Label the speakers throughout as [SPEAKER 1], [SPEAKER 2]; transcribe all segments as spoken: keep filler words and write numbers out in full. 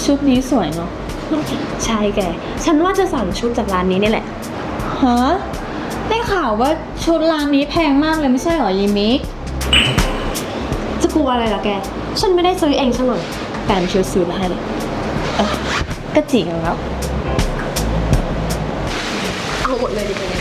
[SPEAKER 1] ชุดนี้สวยเนาะ
[SPEAKER 2] ใช่แกฉันว่าจะสั่งชุดจากร้านนี้นี่แหละ
[SPEAKER 1] ฮะได้ข่าวว่าชุดร้านนี้แพงมากเลยไม่ใช่เหรอยิมิก
[SPEAKER 2] จะกลัวอะไรล่ะแกฉันไม่ได้ซื้อเองซะหน่อยแฟนช่วยซื้อมาให้เลย
[SPEAKER 1] เออก็จริงแล้ว
[SPEAKER 2] เอาหมดเลยดิเป็นไง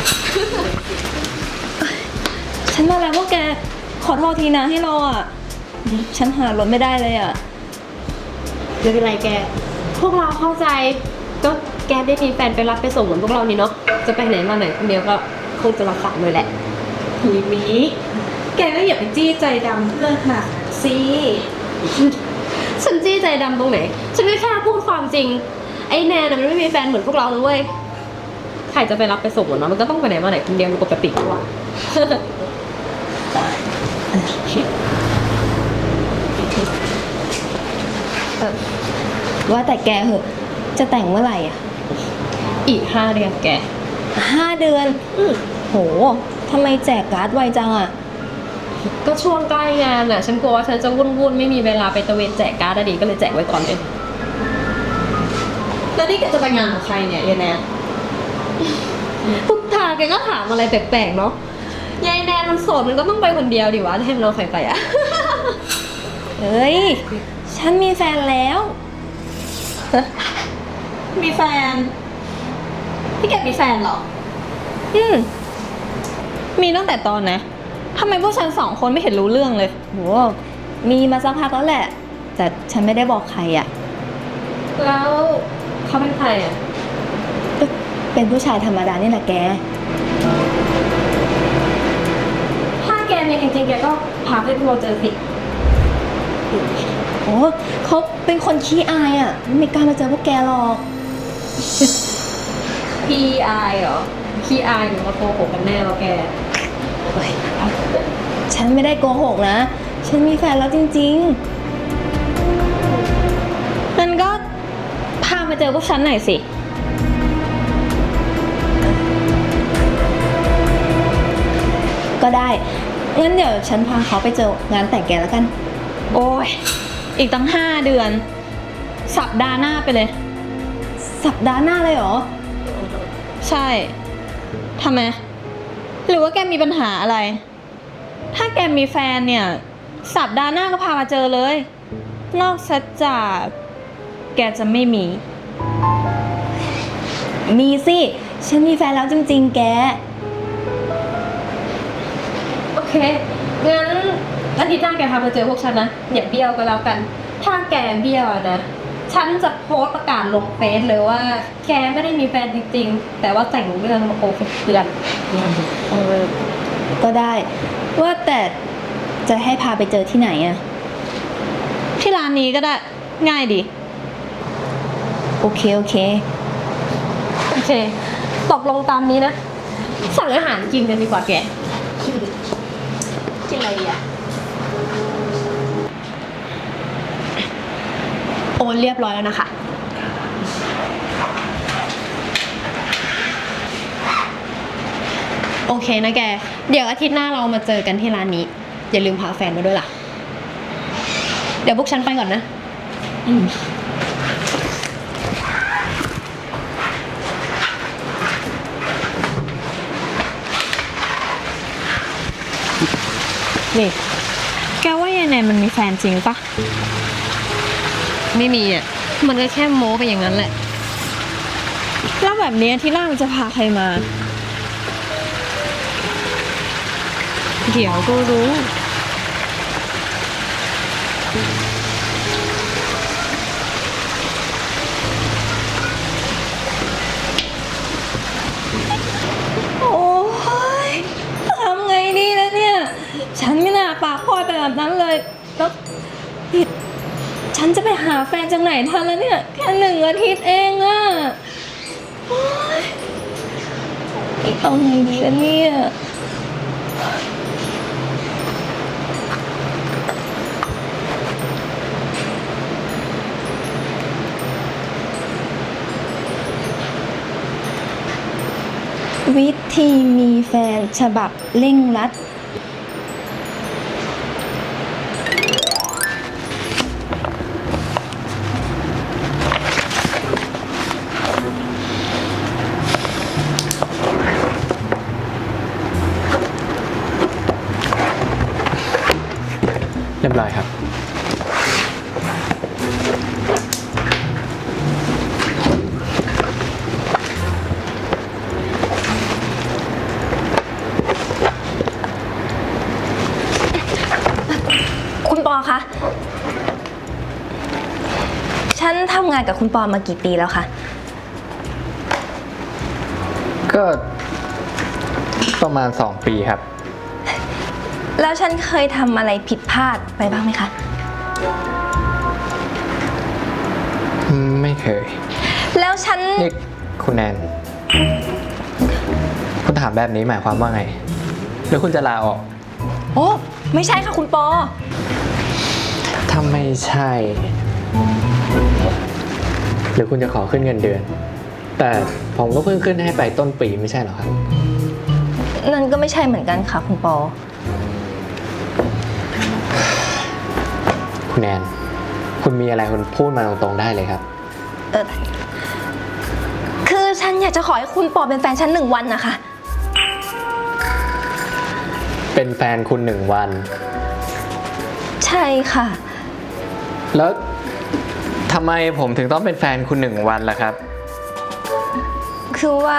[SPEAKER 1] ฉันมาแล้วพวกแกขอโทษทีนะให้เราอ่ะฉันหารถไม่ได้เลยอ่ะ
[SPEAKER 2] ไม่เป็นไรแกพวกเราเข้าใจก็แกได้มีแฟนไปรับไปส่งเหมือนพวกเรานี่เนาะจะไปไหนมาไหนคนเดียวก็คงจะรับฝากเลยแหละ
[SPEAKER 1] ทีนี้แกก็อย่าไปจี้ใจดำเพื่อนค่ะสิ
[SPEAKER 2] ฉันจี้ใจดำตรงไหนฉันก็แค่พูดความจริงไอ้แนนมันไม่มีแฟนเหมือนพวกเราเลยเว้ยใครจะไปรับไปส่งเหมือนมันมันก็ต้องไปไหนมาไหนคนเดียวปกติกว่า
[SPEAKER 1] ว่าแต่แกเหอะจะแต่งเมื่อไหร่อ่ะ
[SPEAKER 2] อีกห้าเดือนแก
[SPEAKER 1] ห้าเดือนโหทำไมแจกการ์ดไวจังอ่ะ
[SPEAKER 2] ก็ช่วงใกล้งานอ่ะฉันกลัวว่าฉันจะวุ่นๆไม่มีเวลาไปตะเวนแจกการ์ดดีก็เลยแจกไว้ก่อนเลย
[SPEAKER 1] แล้วนี่แกจะไปงานของใครเนี่ยยายแนน
[SPEAKER 2] ทุกทางแกก็ถามอะไรแปลกๆเนาะยายแนนมันโสดมันก็ต้องไปคนเดียวดิวะให้มันเอาใครไปอ่ะ
[SPEAKER 1] เฮ้ยฉันมีแฟนแล้ว
[SPEAKER 2] มีแฟนพี่แกมีแฟนเหรอ
[SPEAKER 1] อืมมีตั้งแต่ตอนนะทำไมพวกฉันสองคนไม่เห็นรู้เรื่องเลยโหมีมาสักพักแล้วแหละแต่ฉันไม่ได้บอกใครอ่ะ
[SPEAKER 2] แล้วเขาเป็นใครอ่ะ
[SPEAKER 1] เป็นผู้ชายธรรมดานี่แหละแก
[SPEAKER 2] ถ้าแกมีจริงๆแกก็พาให้พวกเราเจอสิ
[SPEAKER 1] โอ้เขาเป็นคนขี้อายอ่ะไม่กล้ามาเจอพวกแกหรอก
[SPEAKER 2] ขี้อายเหรอขี้อายหรือว่าโกหกกันแน่วะแก
[SPEAKER 1] ฉันไม่ได้โกหกนะฉันมีแฟนแล้วจริงๆงั้นก็พามาเจอพวกฉันหน่อยสิก็ได้งั้นเดี๋ยวฉันพาเขาไปเจองานแต่งแกแล้วกันโอ้ยอีกตั้งห้าเดือนสัปดาห์หน้าไปเลยสัปดาห์หน้าเลยเหรอใช่ทำไมหรือว่าแกมีปัญหาอะไรถ้าแกมีแฟนเนี่ยสัปดาห์หน้าก็พามาเจอเลยนอกจากแกจะไม่มีมีสิฉันมีแฟนแล้วจริงๆแก
[SPEAKER 2] โอเคงั้นอาทิตย์หน้าแกพามาเจอพวกฉันนะอย่าเบี้ยวก็แล้วกันถ้าแกเบี้ยวนะฉันจะโพสต์ประกาศลงเฟซเลยว่าแกไม่ได้มีแฟนจริงๆแต่ว่าแต่งเรื่องมาโกหกเตือน
[SPEAKER 1] ก็ได้ว่าแต่จะให้พาไปเจอที่ไหนอะที่ร้านนี้ก็ได้ง่ายดีโอเคโอเค
[SPEAKER 2] โอเคตกลงตามนี้นะสั่งอาหารกินกันดีกว่าแกกินอะไรดีอะโอนเรียบร้อยแล้วนะคะโอเคนะแกเดี๋ยวอาทิตย์หน้าเรามาเจอกันที่ร้านนี้อย่าลืมพาแฟนมาด้วยล่ะเดี๋ยวพวกฉันไปก่อนนะ
[SPEAKER 1] นี่แกว่ายายแนนมันมีแฟนจริงปะ
[SPEAKER 2] ไม่มีอ่ะมันก็แค่โม้ไปอย่างนั้นแหละ
[SPEAKER 1] แล้วแบบนี้ที่หน้ามันจะพาใครมา
[SPEAKER 2] เดี๋ยวก็รู้
[SPEAKER 1] โอ้ยทำไงดีนะเนี่ยฉันไม่น่าปากพลอยไปแบบนั้นเลยแล้วฉันจะไปหาแฟนจากไหนทันแล้วเนี่ยแค่หนึ่งอาทิตย์เองอะโอ๊ยเอาไงดีล่ะเนี่ยวิธีมีแฟนฉบับเร่งรัดฉันทำงานกับคุณปอมากี่ปีแล้วคะ
[SPEAKER 3] ก็ประมาณสองปีครับ
[SPEAKER 1] แล้วฉันเคยทำอะไรผิดพลาดไปบ้างไหมคะ
[SPEAKER 3] ไม่เคย
[SPEAKER 1] แล้วฉัน
[SPEAKER 3] นี่คุณแนน คุณถามแบบนี้หมายความว่าไง หรือคุณจะลาออก
[SPEAKER 1] โอ้ไม่ใช่ค่ะคุณปอ
[SPEAKER 3] ถ้าไม่ใช่ หรือคุณจะขอขึ้นเงินเดือน แต่ผมก็เพิ่งขึ้นให้ไปต้นปีไม่ใช่เหรอครับ
[SPEAKER 1] นั่นก็ไม่ใช่เหมือนกันค่ะคุณปอ
[SPEAKER 3] คุณแนน คุณมีอะไรคุณพูดมาตรงๆได้เลยครับ
[SPEAKER 1] เออคือฉันอยากจะขอให้คุณปอเป็นแฟนฉันหนึ่งวันนะคะ
[SPEAKER 3] เป็นแฟนคุณหนึ่งวัน
[SPEAKER 1] ใช่ค่ะ
[SPEAKER 3] แล้วทำไมผมถึงต้องเป็นแฟนคุณหนึ่งวันล่ะครับ
[SPEAKER 1] คือว่า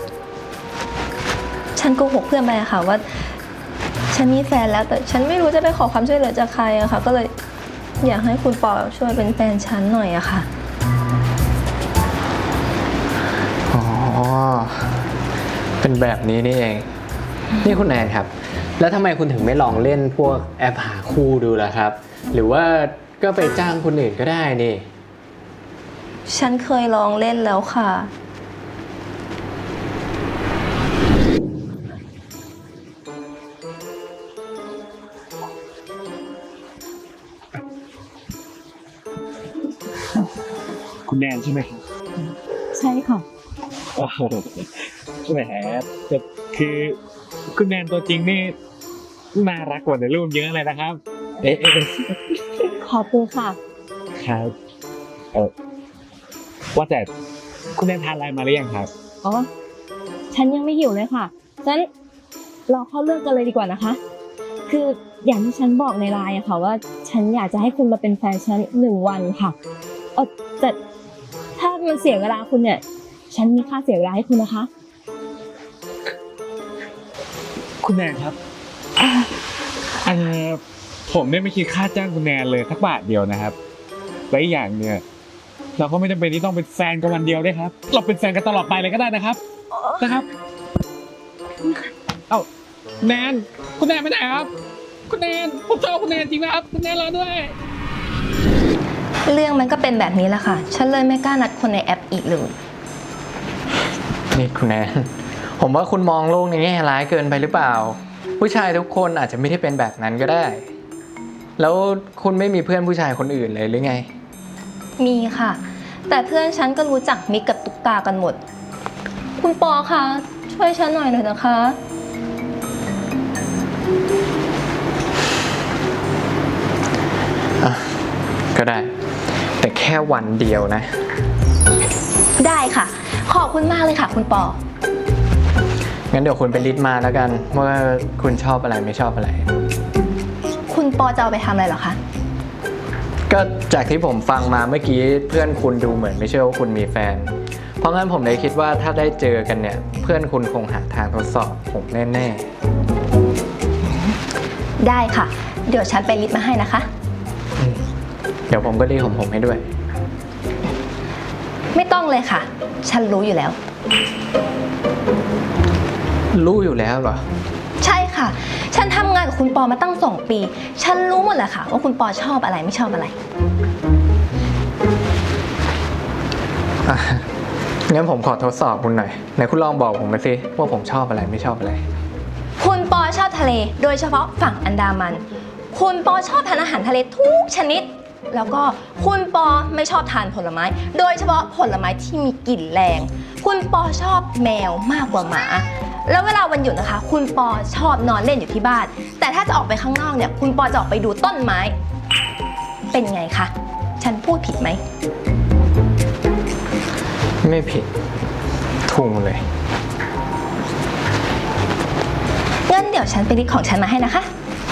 [SPEAKER 1] ฉันโกหกเพื่อนไปอะค่ะว่า ฉันมีแฟนแล้วแต่ฉันไม่รู้จะไปขอความช่วยเหลือจากใครอะค่ะ ก็เลยอยากให้คุณปอช่วยเป็นแฟนฉันหน่อยอะค่ะ
[SPEAKER 3] อ๋อ เป็นแบบนี้นี่เอง นี่คุณแนนครับ แล้วทำไมคุณถึงไม่ลองเล่นพวกแอปหาคู่ดูล่ะครับ หรือว่าก็ไปจ้างคนอื่นก็ได้นี่
[SPEAKER 1] ฉันเคยลองเล่นแล้วค่ะ
[SPEAKER 4] คุณแนนใช่ไหมครับ
[SPEAKER 1] ใช่ค่ะ
[SPEAKER 4] โอ้โหแหมแต่คือคุณแนนตัวจริงนี่น่ารักกว่าในรูปเยอะเลยนะครับ เอ๊ะเอ๊ะ
[SPEAKER 1] ขอบคุณค่ะ
[SPEAKER 4] ครับเออว่าแต่คุณแนนทานอะไรมาหรือยังครับ
[SPEAKER 1] อ๋อ ฉันยังไม่หิวเลยค่ะฉะนั้นเราเข้าเรื่องกันเลยดีกว่านะคะ คืออย่างที่ฉันบอกในไลน์อะค่ะว่า ฉันอยากจะให้คุณมาเป็นแฟนฉันหนึ่งวันค่ะเออแต่ถ้ามันเสียเวลาคุณเนี่ย ฉันมีค่าเสียเวลาให้คุณนะคะ
[SPEAKER 4] คุณแนนครับเอ่อผมเนี่ยไม่คิดค่าจ้างคุณแนนเลยสักบาทเดียวนะครับและอีกอย่างเนี่ยเราก็ไม่จำเป็นที่ต้องเป็นแฟนกันวันเดียวด้วยครับ เราเป็นแฟนกันตลอดไปเลยก็ได้นะครับนะครับ เอ้าแนนคุณแนนไปไหนครับ คุณแนนผมชอบคุณแนนจริงนะครับคุณแนนรอด้วย
[SPEAKER 1] เรื่องมันก็เป็นแบบนี้แหละค่ะ ฉันเลยไม่กล้านัดคนในแอปอีกเลย
[SPEAKER 3] นี่คุณแนน ผมว่าคุณมองโลกในแง่ร้ายเกินไปหรือเปล่า ผู้ชายทุกคนอาจจะไม่ได้เป็นแบบนั้นก็ได้ แล้วคุณไม่มีเพื่อนผู้ชายคนอื่นเลยหรือไง
[SPEAKER 1] มีค่ะ แต่เพื่อนฉันก็รู้จักมิกกับตุ๊กตากันหมด คุณปอคะช่วยฉันหน่อยหน่อยนะคะ
[SPEAKER 3] ก็ได้ แต่แค่วันเดียวนะ
[SPEAKER 1] ได้ค่ะ ขอบคุณมากเลยค่ะ คุณปอ
[SPEAKER 3] งั้นเดี๋ยวคุณไปลิสต์มาแล้วกันว่าคุณชอบอะไรไม่ชอบอะไร
[SPEAKER 1] คุณปอจะเอาไปทำอะไรเหรอคะ
[SPEAKER 3] ก็จากที่ผมฟังมาเมื่อกี้เพื่อนคุณดูเหมือนไม่เชื่อว่าคุณมีแฟน เพราะงั้นผมเลยคิดว่าถ้าได้เจอกันเนี่ย เพื่อนคุณคงหาทางทดสอบผมแน่ๆ
[SPEAKER 1] ได้ค่ะ เดี๋ยวฉันไปลิสต์มาให้นะคะ
[SPEAKER 3] เดี๋ยวผมก็รีบของผมให้ด้วย
[SPEAKER 1] ไม่ต้องเลยค่ะ ฉันรู้อยู่แล้ว
[SPEAKER 3] รู้อยู่แล้วเหรอ
[SPEAKER 1] ใช่ค่ะ ฉันทำงานกับคุณปอมาตั้งสองปี ฉันรู้หมดแหละค่ะ ว่าคุณปอชอบอะไรไม่ชอบอะไร
[SPEAKER 3] อ่ะงั้นผมขอทดสอบคุณหน่อยไหนคุณลองบอกผมมาสิว่าผมชอบอะไรไม่ชอบอะไร
[SPEAKER 1] คุณปอชอบทะเล โดยเฉพาะฝั่งอันดามัน คุณปอชอบทานอาหารทะเลทุกชนิด แล้วก็คุณปอไม่ชอบทานผลไม้ โดยเฉพาะผลไม้ที่มีกลิ่นแรง คุณปอชอบแมวมากกว่าหมา แล้วเวลาวันหยุดนะคะ คุณปอชอบนอนเล่นอยู่ที่บ้าน แต่ถ้าจะออกไปข้างนอกเนี่ย คุณปอจะออกไปดูต้นไม้ เป็นไงคะ ฉันพูดผิดไหม
[SPEAKER 3] ไม่ผิดถูกเลย
[SPEAKER 1] งั้นเดี๋ยวฉันไปลิสต์ของฉันมาให้นะคะ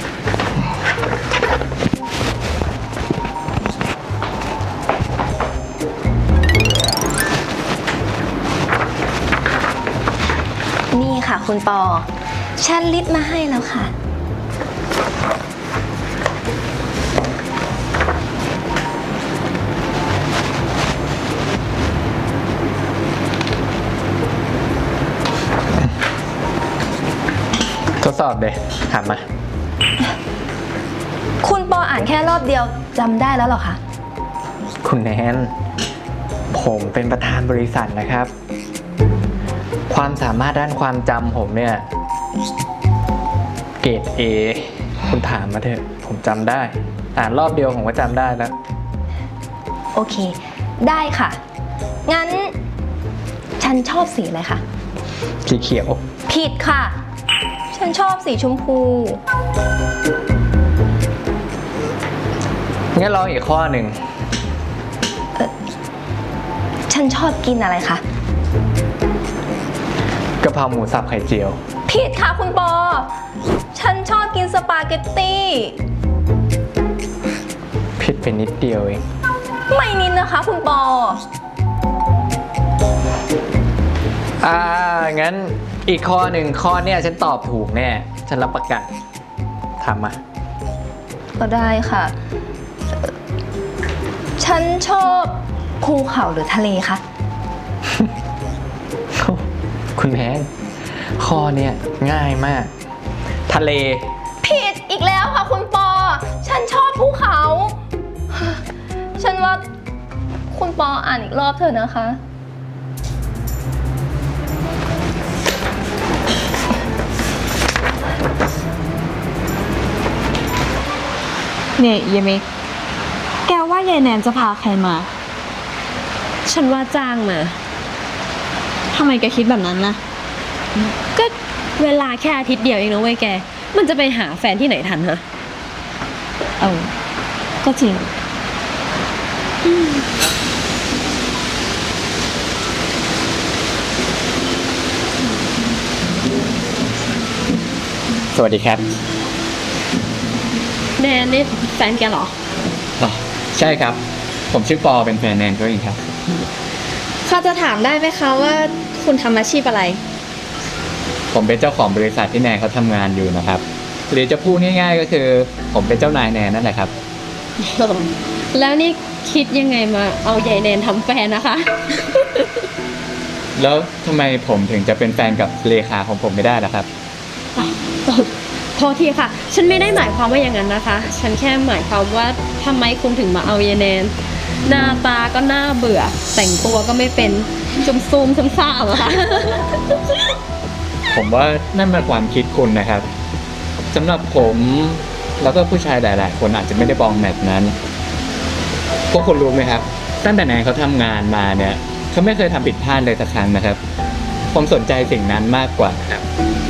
[SPEAKER 1] นี่ค่ะคุณปอ ฉันลิสต์มาให้แล้วค่ะ
[SPEAKER 3] อเลย ถามมา
[SPEAKER 1] คุณปออ่านแค่รอบเดียวจำได้แล้วเหรอคะ
[SPEAKER 3] คุณแนน ผมเป็นประธานบริษัทนะครับ ความสามารถด้านความจำผมเนี่ย เกรด A คุณถามมาเถอะ ผมจำได้ อ่านรอบเดียวผมก็จำได้แล้ว
[SPEAKER 1] โอเค ได้ค่ะ งั้น ฉันชอบสีอะไรคะ
[SPEAKER 3] สีเขียว
[SPEAKER 1] ผิดค่ะ ฉันชอบสีชมพู
[SPEAKER 3] งั้นลองอีกข้อหนึ่ง
[SPEAKER 1] ฉันชอบกินอะไรคะ
[SPEAKER 3] กะเพราหมูสับไข่เจียว
[SPEAKER 1] ผิดค่ะคุณปอ ฉันชอบกินสปาเกตตี้
[SPEAKER 3] ผิดไปนิดเดียวเอง
[SPEAKER 1] ไม่นิดนะคะคุณปอ
[SPEAKER 3] อ่า งั้นอีกข้อหนึ่งข้อเนี่ยฉันตอบถูกแน่ ฉันรับประกันถามมา
[SPEAKER 1] ก็ได้ค่ะเอ่อฉันชอบภูเขาหรือทะเลคะ
[SPEAKER 3] คุณแพนข้อเนี่ยง่ายมาก ทะเล
[SPEAKER 1] ผิดอีกแล้วค่ะคุณปอ ฉันชอบภูเขา ฉันว่าคุณปออ่านอีกรอบเถอะนะคะ
[SPEAKER 2] เนี่ยเยเมกแกว่ายายแนนจะพาใครมา ฉันว่าจ้างมา
[SPEAKER 1] ทำไมแกคิดแบบนั้นนะ
[SPEAKER 2] ก็เวลาแค่อาทิตย์เดียวเองนะเว้ยแก มันจะไปหาแฟนที่ไหนทันฮะ
[SPEAKER 1] เออ ก็จริง
[SPEAKER 3] สวัสดีครับ
[SPEAKER 2] แนนนี่แฟนแกเหรอ
[SPEAKER 3] อ๋อ ใช่ครับ ผมชื่อปอเป็นแฟนแนนเขาเองครับ
[SPEAKER 1] ข้าจะถามได้ไหมคะว่าคุณทำอาชีพอะไร
[SPEAKER 3] ผมเป็นเจ้าของบริษัทที่แนนเขาทำงานอยู่นะครับ หรือจะพูดง่ายๆก็คือ ผมเป็นเจ้านายแนนนั่นแหละครับ
[SPEAKER 2] แล้วนี่คิดยังไงมาเอายายแนนทำแฟนนะคะ
[SPEAKER 3] แล้วทำไมผมถึงจะเป็นแฟนกับเลขาของผมไม่ได้ล่ะครับ
[SPEAKER 2] โทษทีค่ะ ฉันไม่ได้หมายความว่าอย่างนั้นนะคะ ฉันแค่หมายความว่าทำไมคุณถึงมาเอายายแนน หน้าตาก็น่าเบื่อ แต่งตัวก็ไม่เป็นจุมซูมซุมซ่ามอะค่ะ
[SPEAKER 3] ผมว่านั่นเป็นความคิดคุณนะครับสำหรับผมแล้วก็ผู้ชายหลาย ๆ คนอาจจะไม่ได้มองแบบนั้นพวกคุณรู้ไหมครับตั้งแต่แนนเขาทำงานมาเนี่ยเขาไม่เคยทำผิดพลาดเลยสักครั้งนะครับ ผมสนใจสิ่งนั้นมากกว่าครับ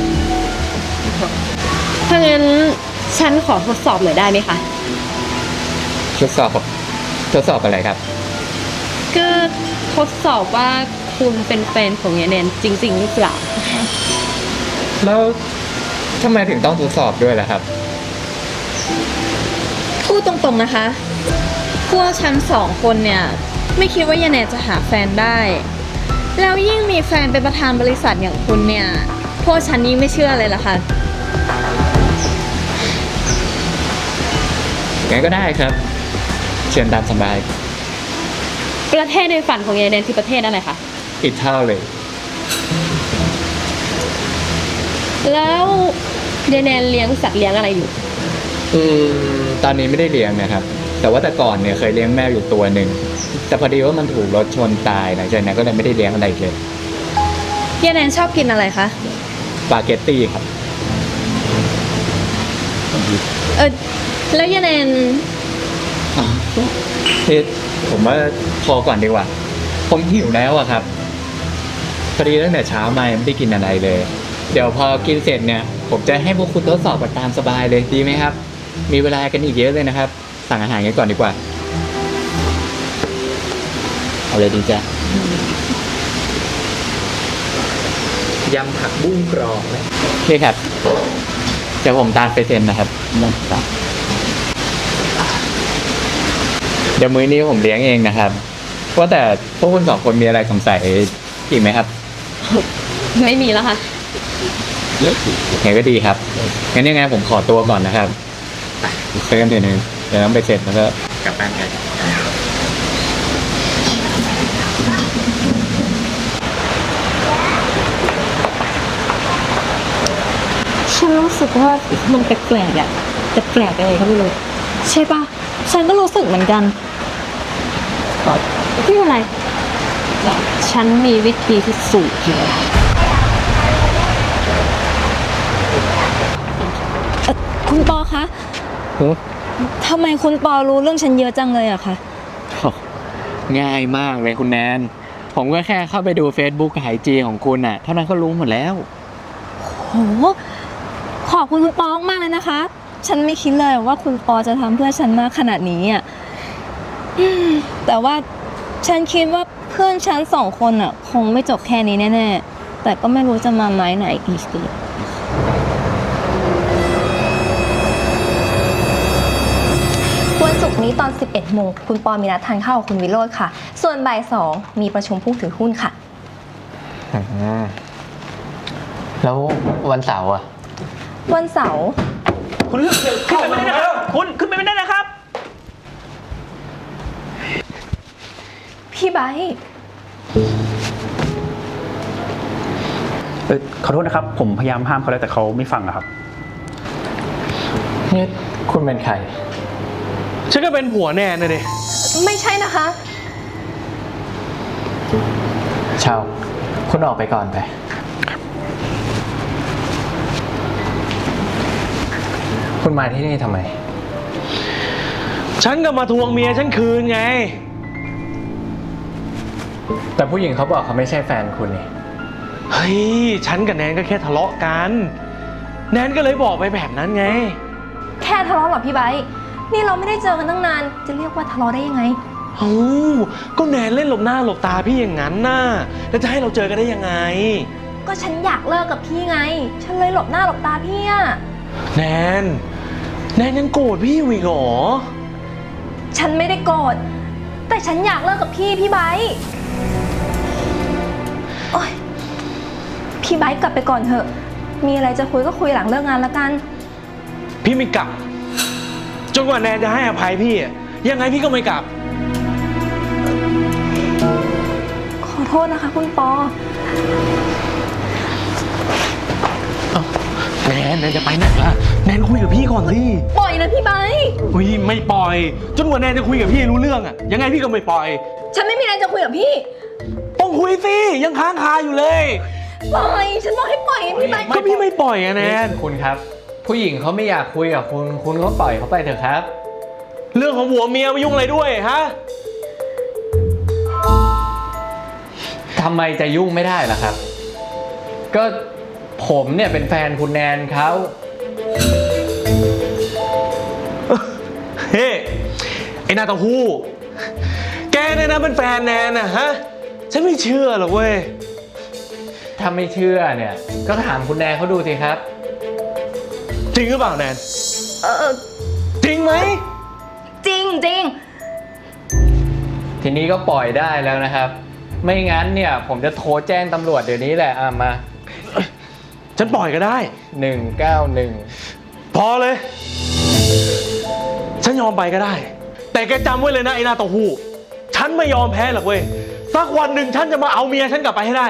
[SPEAKER 2] ถ้างั้นฉันขอทดสอบหน่อยได้ไหมคะ
[SPEAKER 3] ทดสอบทดสอบอะไรครับ
[SPEAKER 2] ก็ทดสอบว่าคุณเป็นแฟนของยายแนนจริงๆหรือเปล่า
[SPEAKER 3] แล้วทำไมถึงต้องทดสอบด้วยล่ะครับ
[SPEAKER 1] พูดตรงๆนะคะ พวกฉันสองคนเนี่ย ไม่คิดว่ายายแนนจะหาแฟนได้ แล้วยิ่งมีแฟนเป็นประธานบริษัทอย่างคุณเนี่ย พวกฉันนี่ไม่เชื่อเลยล่ะค่ะ
[SPEAKER 3] งั้นก็ได้ครับ เชิญตามสบาย
[SPEAKER 2] ประเทศในฝันของยายแนนคือประเทศอะไรคะ
[SPEAKER 3] อิตาลี
[SPEAKER 2] แล้วยายแนนเลี้ยงสัตว์เลี้ยงอะไรอยู่
[SPEAKER 3] อืมตอนนี้ไม่ได้เลี้ยงนะครับ แต่ว่าแต่ก่อนเนี่ยเคยเลี้ยงแมวอยู่ตัวหนึ่งแต่พอดีว่ามันถูกรถชนตายหลังจากนั้นก็เลยไม่ได้เลี้ยงอะไรอีกเลย
[SPEAKER 1] ยายแนนชอบกินอะไรคะ
[SPEAKER 3] สปาเกตตี้ครับ
[SPEAKER 1] เออ แล้วยายแนน
[SPEAKER 3] นี่ผมว่าพอก่อนดีกว่า ผมหิวแล้วอะครับพอดีตั้งแต่เช้ามายังไม่ได้กินอะไรเลย เดี๋ยวพอกินเสร็จเนี่ย ผมจะให้พวกคุณทดสอบกันตามสบายเลยดีไหมครับ มีเวลากันอีกเยอะเลยนะครับ สั่งอาหารกันก่อนดีกว่า เอาเลยดีจ้ะยำผักบุ้งกรอบเลยโอเคครับเดี๋ยวผมตามไปเซ็นนะครับนะครับเดี๋ยวมื้อนี้ผมเลี้ยงเองนะครับว่าแต่พวกคุณสองคนมีอะไรสงสัยอีกไหมครับ
[SPEAKER 2] ไม่มีแล้วค่ะ
[SPEAKER 3] งั้นก็ดีครับงั้นยังไงผมขอตัวก่อนนะครับเซ็นเดี๋ยวนึงเดี๋ยวต้องไปเสร็จแล้วก็กลับบ้านกัน
[SPEAKER 2] ฉันรู้สึกว่ามันแปลกๆอ่ะแต่แปลกอะไรก็ไม่รู้
[SPEAKER 1] ใช่ปะฉันก็รู้สึกเหมือนกัน
[SPEAKER 2] ไม่เป็นไรฉันมีวิธีพิสูจน์อยู่
[SPEAKER 1] เอ่อคุณปอคะทำไมคุณปอรู้เรื่องฉันเยอะจังเลยอะคะ
[SPEAKER 3] ง่ายมากเลยคุณแนน ผมก็แค่เข้าไปดู Facebook กับไอจีของคุณน่ะ เท่านั้นก็รู้หมดแล้ว
[SPEAKER 1] โห ขอบคุณคุณปอมากเลยนะคะ ฉันไม่คิดเลยว่าคุณปอจะทำเพื่อฉันมากขนาดนี้อะอืมแต่ว่าฉันคิดว่าเพื่อนฉันสองคนอะคงไม่จบแค่นี้แน่ๆ แต่ก็ไม่รู้จะมาไม้ไหนอีกสิวันศุกร์นี้ตอน สิบเอ็ดโมงคุณปอมีนัดทานข้าวกับคุณวิโรจน์ค่ะ ส่วนบ่ายสองมีประชุมผู้ถือหุ้นค่ะ
[SPEAKER 3] แล้ววันเสาร์อ่ะ
[SPEAKER 1] วันเสาร์
[SPEAKER 5] คุณขึ้นไปไม่ได้นะครับ คุณขึ้นไปไม่ได้นะครับ
[SPEAKER 1] พี่ไบร์ท
[SPEAKER 5] เออขอโทษนะครับ ผมพยายามห้ามเขาแล้วแต่เขาไม่ฟังอะครับ
[SPEAKER 3] นี่คุณเป็นใคร
[SPEAKER 6] ฉันก็เป็นผัวแนนนะดิ
[SPEAKER 1] ไม่ใช่นะคะ
[SPEAKER 3] เชาคุณออกไปก่อนไป คุณมาที่นี่ทำไม
[SPEAKER 6] ฉันก็มาทวงเมียฉันคืนไง
[SPEAKER 3] แต่ผู้หญิงเขาบอกเขาไม่ใช่แฟนคุณนี่
[SPEAKER 6] เฮ้ย ฉันกับแนนก็แค่ทะเลาะกัน แนนก็เลยบอกไปแบบนั้นไง
[SPEAKER 1] แค่ทะเลาะเหรอพี่ไบร์ทนี่เราไม่ได้เจอกันตั้งนาน จะเรียกว่าทะเลาะได้ยังไง
[SPEAKER 6] เอ้าก็แนนเล่นหลบหน้าหลบตาพี่อย่างนั้นน่ะ แล้วจะให้เราเจอกันได้ยังไง
[SPEAKER 1] ก็ฉันอยากเลิกกับพี่ไง ฉันเลยหลบหน้าหลบตาพี่อะ
[SPEAKER 6] แนน แนนยังโกรธพี่อยู่อีกเหรอ
[SPEAKER 1] ฉันไม่ได้โกรธ แต่ฉันอยากเลิกกับพี่พี่ไบร์ทโอ๊ยพี่ไบร์ทกลับไปก่อนเถอะ มีอะไรจะคุยก็คุยหลังเลิกงานละกัน
[SPEAKER 6] พี่ไม่กลับ จนกว่าแนนจะให้อภัยพี่อะยังไงพี่ก็ไม่กลับ
[SPEAKER 1] ขอโทษนะคะคุณปอ
[SPEAKER 6] แนนแนนจะไปไหนล่ะ แนนคุยกับพี่ก่อนสิ
[SPEAKER 1] ปล่อยนะพี่ไบร์ท
[SPEAKER 6] อุ้ยไม่ปล่อย จนกว่าแนนจะคุยกับพี่รู้เรื่องอะยังไงพี่ก็ไม่ปล่อย
[SPEAKER 1] ฉันไม่มีอะไรจะคุยกับพี่
[SPEAKER 6] ต้องคุยสิยังค้างคาอยู่เลย
[SPEAKER 1] ปล่อย ฉันบอกให้ปล่อยพี่ไบร์ท
[SPEAKER 6] ก็พี่ไม่ปล่อยอะแนน
[SPEAKER 3] คุณครับ ผู้หญิงเขาไม่อยากคุยกับคุณ คุณก็ปล่อยเขาไปเถอะครับ
[SPEAKER 6] เรื่องของผัวเมียมายุ่งอะไรด้วยฮะ
[SPEAKER 3] ทำไมจะยุ่งไม่ได้ล่ะครับ ก็ผมเนี่ยเป็นแฟนคุณแนนเขา
[SPEAKER 6] เฮ้ไอ้หนาเต้าหู้แกเนี่ยนะเป็นแฟนแนนนะฮะฉันไม่เชื่อหรอกเว้ย
[SPEAKER 3] ถ้าไม่เชื่อเนี่ย ก็ถามคุณแนนเขาดูสิครับ
[SPEAKER 6] จริงหรือเปล่าแนน
[SPEAKER 1] เออ
[SPEAKER 6] จริงไหม
[SPEAKER 1] จริงจริง
[SPEAKER 3] ทีนี้ก็ปล่อยได้แล้วนะครับ ไม่งั้นเนี่ยผมจะโทรแจ้งตำรวจเดี๋ยวนี้แหละอ่ะมา
[SPEAKER 6] ฉันปล่อยก็ได้
[SPEAKER 3] หนึ่งเก้าหนึ่ง
[SPEAKER 6] พอเลย ฉันยอมไปก็ได้ แต่แกจำไว้เลยนะไอ้หนาเต้าหู้ฉันไม่ยอมแพ้หรอกเว้ยสักวันหนึ่งฉันจะมาเอาเมียฉันกลับไปให้ได้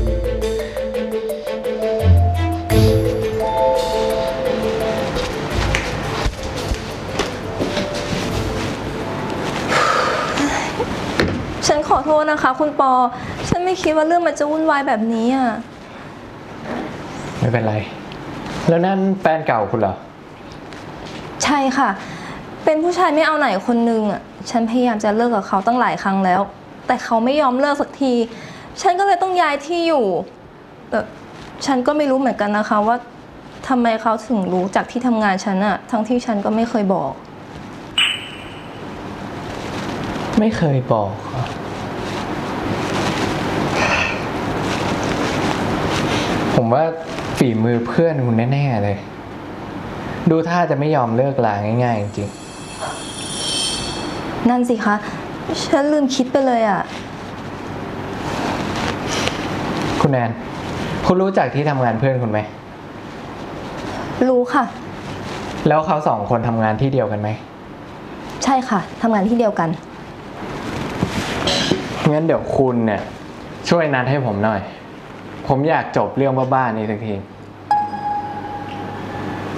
[SPEAKER 1] ฉันขอโทษนะคะ คุณปอ ฉันไม่คิดว่าเรื่องมันจะวุ่นวายแบบนี้อ่ะ
[SPEAKER 3] ไม่เป็นไร แล้วนั่นแฟนเก่าคุณเหรอ
[SPEAKER 1] ใช่ค่ะ เป็นผู้ชายไม่เอาไหนคนนึงอ่ะ ฉันพยายามจะเลิกกับเขาตั้งหลายครั้งแล้ว แต่เขาไม่ยอมเลิกสักที ฉันก็เลยต้องย้ายที่อยู่ แต่ฉันก็ไม่รู้เหมือนกันนะคะว่าทำไมเขาถึงรู้จากที่ทำงานฉันอะทั้งที่ฉันก็ไม่เคยบอก
[SPEAKER 3] ไม่เคยบอกเหรอผมว่าฝีมือเพื่อนคุณแน่ๆเลย ดูท่าจะไม่ยอมเลิกลาง่ายๆจริง
[SPEAKER 1] นั่นสิคะ ฉันลืมคิดไปเลยอะ
[SPEAKER 3] ๆคุณแนนคุณรู้จักที่ทำงานเพื่อนคุณไหม
[SPEAKER 1] รู้ค่ะ
[SPEAKER 3] แล้วเขาสองคนทำงานที่เดียวกันไหม
[SPEAKER 1] ใช่ค่ะทำงานที่เดียวกัน
[SPEAKER 3] งั้นเดี๋ยวคุณเนี่ยช่วยนัดให้ผมหน่อย ผมอยากจบเรื่องบ้าๆนี้สักที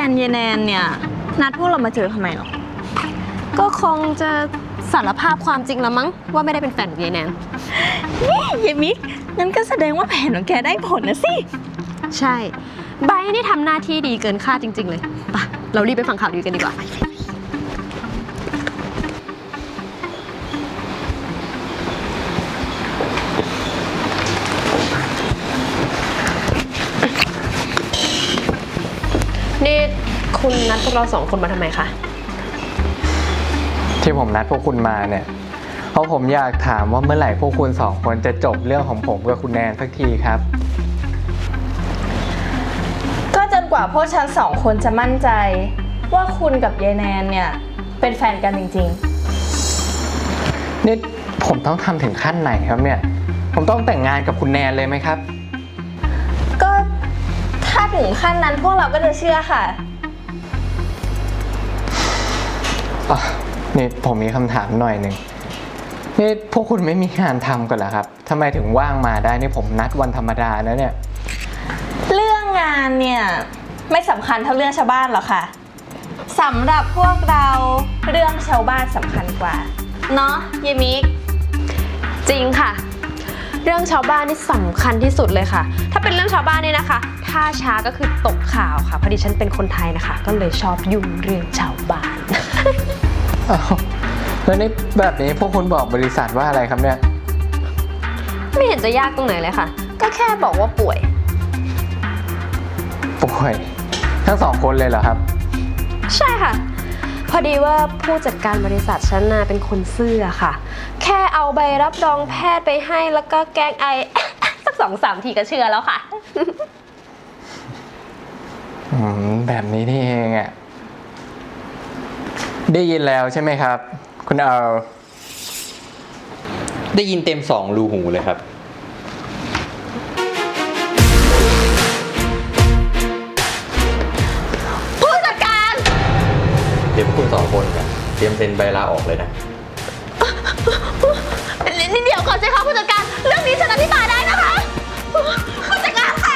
[SPEAKER 1] นเยแนนเนี่ย นัดพวกเรามาเจอทำไมหรอ
[SPEAKER 2] ก็คงจะสารภาพความจริงละมั้งว่าไม่ได้เป็นแฟนกับยายแนน
[SPEAKER 1] นี่เยมิกงั้นก็แสดงว่าแผนของแกได้ผลนะสิ
[SPEAKER 2] ใช่ไบร์ทนี่ทำหน้าที่ดีเกินคาดจริง ๆ เลยไปะเรารีบไปฟังข่าวดีกันดีกว่า นี่คุณนัดพวกเราสองคนมาทำไมคะ
[SPEAKER 3] ที่ผมนัดพวกคุณมาเนี่ยเพราะผมอยากถามว่าเมื่อไหร่พวกคุณสองคนจะจบเรื่องของผมกับคุณแนนสักทีครับ
[SPEAKER 1] ก็จนกว่าพวกฉันสองคนจะมั่นใจ ว่าคุณกับยายแนนเนี่ย เป็นแฟนกันจริง
[SPEAKER 3] นี่ผมต้องทำถึงขั้นไหนครับเนี่ย ผมต้องแต่งงานกับคุณแนนเลยไหมครับ
[SPEAKER 1] ๆ ก็ถ้าถึงขั้นนั้นพวกเราก็จะเชื่อค่ะ
[SPEAKER 3] อ่ะนี่ผมมีคำถามหน่อยหนึ่งนี่พวกคุณไม่มีงานทำกันเหรอครับทำไมถึงว่างมาได้นี่ผมนัดวันธรรมดานะเนี่ย
[SPEAKER 1] เรื่องงานเนี่ยไม่สำคัญเท่าเรื่องชาวบ้านหรอกค่ะสำหรับพวกเราเรื่องชาวบ้านสำคัญกว่าเนาะเยมิก
[SPEAKER 2] จริงค่ะ เรื่องชาวบ้านนี่สำคัญที่สุดเลยค่ะ ถ้าเป็นเรื่องชาวบ้านนี่นะคะ ถ้าช้าก็คือตกข่าวค่ะพอดีฉันเป็นคนไทยนะคะ ก็เลยชอบยุ่งเรื่องชาวบ้าน
[SPEAKER 3] อ้าวแล้วนี่แบบนี้พวกคุณบอกบริษัทว่าอะไรครับเนี่ย
[SPEAKER 2] ไม่เห็นจะยากตรงไหนเลยค่ะ ก็แค่บอกว่าป่วย
[SPEAKER 3] ป่วยทั้งสองคนเลยเหรอครับ
[SPEAKER 2] ใช่ค่ะ พอดีว่าผู้จัดการบริษัทฉันน่ะเป็นคนซื่อค่ะ แค่เอาใบรับรองแพทย์ไปให้แล้วก็แกล้งไอ สักสองสามทีก็เชื่อแล้วค่ะ
[SPEAKER 3] อืมแบบนี้นี่เองอ่ะได้ยินแล้วใช่ไหมครับ คุณเอล
[SPEAKER 7] ได้ยินเต็มสองรูหูเลยครับ
[SPEAKER 2] ผู้จัดการ
[SPEAKER 7] เดี๋ยวพวกคุณสองคนกันเตรียมเซ็นใบลาออกเลยนะ
[SPEAKER 2] เดี๋ยวก่อนสิคะผู้จัดการ เรื่องนี้ฉันอธิบายได้นะคะ ผู้จัดการคะ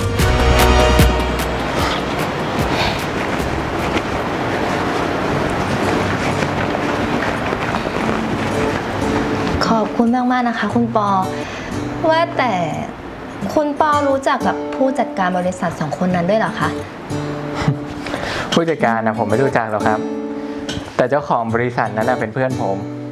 [SPEAKER 1] ขอบคุณมากๆนะคะ คุณปอ ว่าแต่คุณปอรู้จักกับผู้จัดการบริษัทสองคนนั้นด้วยเหรอคะ
[SPEAKER 3] ผู้จัดการนะผมไม่รู้จักหรอกครับ แต่เจ้าของบริษัทนั้นนะเป็นเพื่อนผม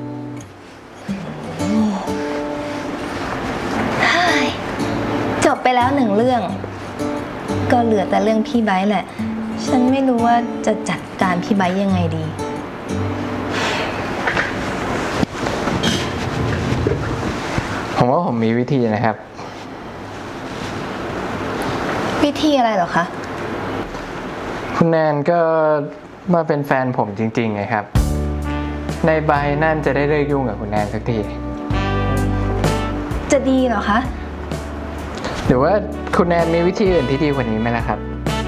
[SPEAKER 1] จบไปแล้วหนึ่งเรื่อง ก็เหลือแต่เรื่องพี่ไบร์ทแหละ ฉันไม่รู้ว่าจะจัดการพี่ไบร์ทยังไงดี
[SPEAKER 3] ผมว่าผมมีวิธีนะครับ
[SPEAKER 1] วิธีอะไรเหรอคะ
[SPEAKER 3] คุณแนนก็มาเป็นแฟนผมจริงๆไงครับ ในใบนั่นจะได้เลิกยุ่งกับคุณแนนสักที
[SPEAKER 1] จะดีเหรอคะ
[SPEAKER 3] หรือว่าคุณแนนมีวิธีอื่นที่ดีกว่านี้ไหมล่ะครับ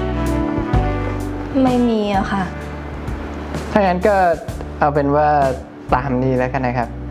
[SPEAKER 1] ไม่มีอะค่ะ
[SPEAKER 3] ถ้างั้นก็เอาเป็นว่าตามนี้แล้วกันนะครับ